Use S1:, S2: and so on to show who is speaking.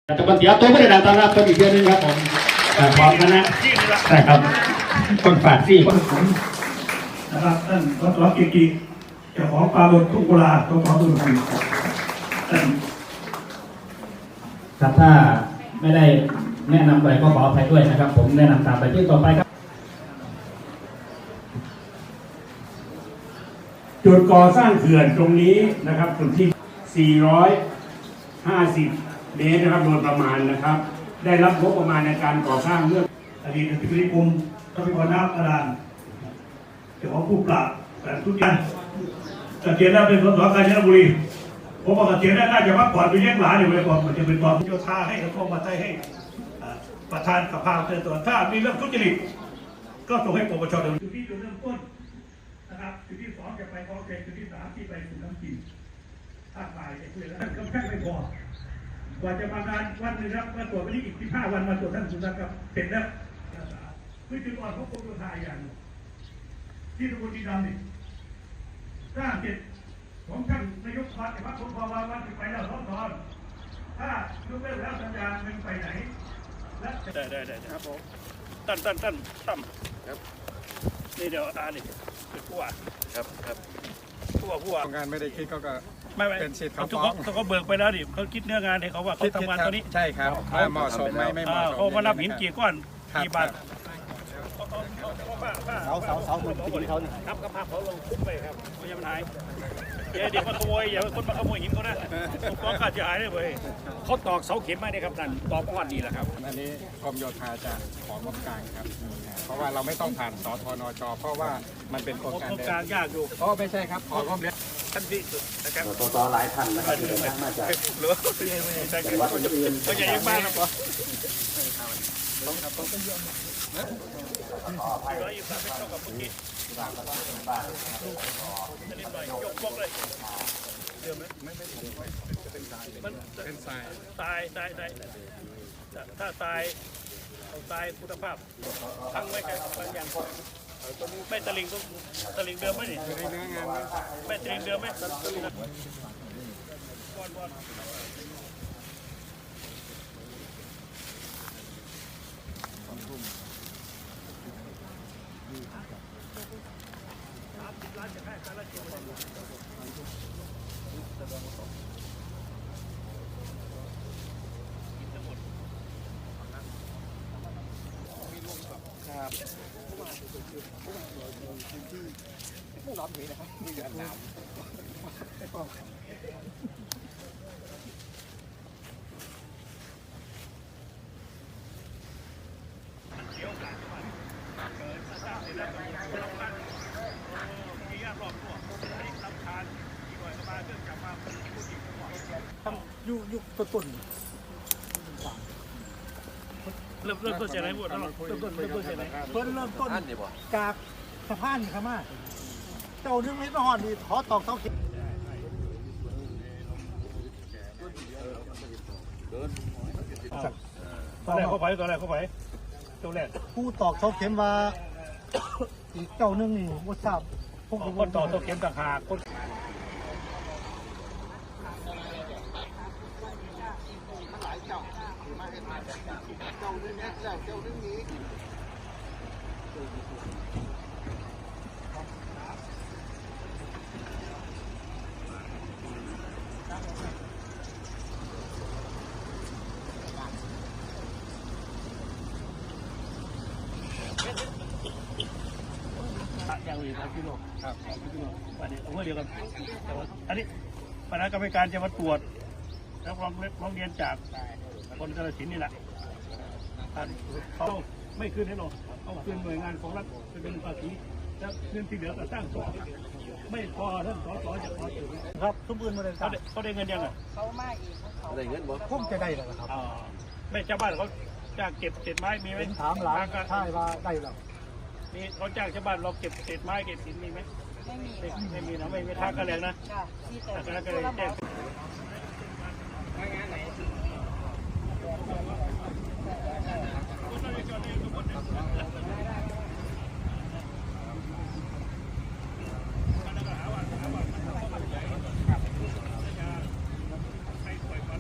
S1: จะมาเสียตัวไม่ได้ดังตอนรับตัวอีกเดือนนึงครับผมพร้อมกันนะใช่ครับคนฝาดซี่
S2: นะครับท่านรถเกียรติเจ้าของปลาบดทุ่งกุลาตัวของตุนทีท่าน
S1: ครับถ้าไม่ได้แนะนำไปก็ขออภัยด้วยนะครับผมแนะนำตามไปที่ต่อไปครับ
S2: จุดก่อสร้างเขื่อนตรงนี้นะครับจุดที่450 เมตรนะครับโดยประมาณนะครับได้รับงบประมาณในการก่อสร้างเมื่ออดีตอธิบดีกรมทรัพยากรน้ำบาดาลเจ้าของผู้ปราบแต่ทุกอย่างเกษียณแล้วเป็นสสกาญจนบุรีผมบอกเกษียณแล้วน่าจะพักผ่อนไปเลี้ยงหลานอยู่ไปก่อนมันจะเป็นตอนโยธาให้กระทรวงมหาดไทยให้ประธานสภาเตือนตัวถ้ามีเรื่องทุจริตก็ส่งให้ปปชดำเนินจุดที่จุดเริ่มต้นนะครับจุดที่2จะไปคลองเกษจุดที่3ที่ไปสู่น้ำจีนภาคบ่ายจะคุยแล้วก็แค่ไม่พอกว่าจะมางานวันนึงครับมาตรวจวันนี้อีก15 วันมาตรวจท่านสุนัขครับเป็นแล้วคือจุดอ่อนของกรมโยธาอย่างที่ตำบลดีดำนี่สร้างเสร็จของท่านนายกพัฒน์แต่ว่าผมพอวันไปแล้วท้องถอนถ้ายกเลิกแล้วสัญญาเงินไปไหนและได้ครับผมตั้มครับนี่เดี๋ยวนี่เป็นผู้ว่าครับผู้ว่า
S3: งานไม่ได้คิดก็
S2: ไม่
S3: เป็นสิทธิ์เขา
S2: ฟ้องเขาเบิกไปแล้วดิเขาคิดเนื้องานให้เขาว่าเขาทำงานตอนนี้
S3: ใช่ครับเหมาะสมไม่เหมาะสม
S2: เขามารับหินกี่ก้อนกี่บาท
S1: เสาเหมือนปีเขาเนี่ย
S2: ครับก็พาเขาลงทุบไปครับไม่ใช่ปัญหาเดี๋ยวมาขโมยอย่าคนมาขโมยหินเขานะฟ้องค่าเสียหายได้เลยเขาตอกเสาเข็มมาเนี่ยครับนั่นตอกก้อนดีแหละครับ
S3: อันนี้กรมโยธาจะของงบกลางครับเพราะว่าเราไม่ต้องผ่านสทนจเพราะว่ามันเป็นโครงการ
S2: กลางยากอยู่
S3: เพราะไม่ใช่ครับของงบเรียน
S2: ท่านที่สุดนะครับ
S1: ต่อหลายท่านนะครับที่เดินทางมาจาก
S2: หรือจังหวัดอื่นๆก็ใหญ่มากครับร้อยยี่สิบไม่เท่ากับเมื่อกี้จะนิดหน่อยยกบล็อกเลยเดิมไหมไม่เป็นทรายมันเป็นทรายถ้าทรายเอาทรายคุณภาพทั้งไว้กันบางอย่างไม่ตะลิงเดิมไหมนี่ไม่ตะลิงเดิมไหม
S3: ไม่ร้อนเลยนะครับไม่เดือดหนาว
S2: ยุคต้นเริ่มต้นจากไหนหมดเริ่มต้นจากไหน
S4: เริ่มต้นจากสะพานครับมาเจ้านึงไม่ต้องหอดดีขอตอกเสาเข็ม
S2: ตอนแรกเข้าไปตัวแรก
S4: ผู้ตอกเสาเข็มว่าอีกเจ้านึงนี่ว่าทราบ
S2: พวกคนตอกเสาเข็มต่างหากคนอย่างอื่นครับพี่โลครับพี่โลอันนี้เอาเดียวกันแต่ว่าอันนี้คณะกรรมการจะมาตรวจแล้วร้องเรียนจากคนกาฬสินธุ์นี่แหละเขาไม่คืนให้เราเอาคืนหน่วยงานของรัฐเป็นภาษีแล้วเงินที่เหลือก็สร้างต่อไม่พอท่านสสจะขอถือ
S4: ครับทุกอื่นมาเลย
S2: เขาได้เงินยังไง
S5: เขาไม่เขา
S4: ได้เงินบ่พุ่มจะได้แล้วครับ
S2: ไม่ชาวบ้านเขาจ้างเก็บเศษไม้มีไหม
S4: ถามหลานใช่ว่าได้แล้ว
S2: มีเขาจ้างชาวบ้านเราเก็บเศษไม้เก็บหินมีไหมไม่มีนะไม่มีท่ากระแรงนะท่ากระแรงแจ้ง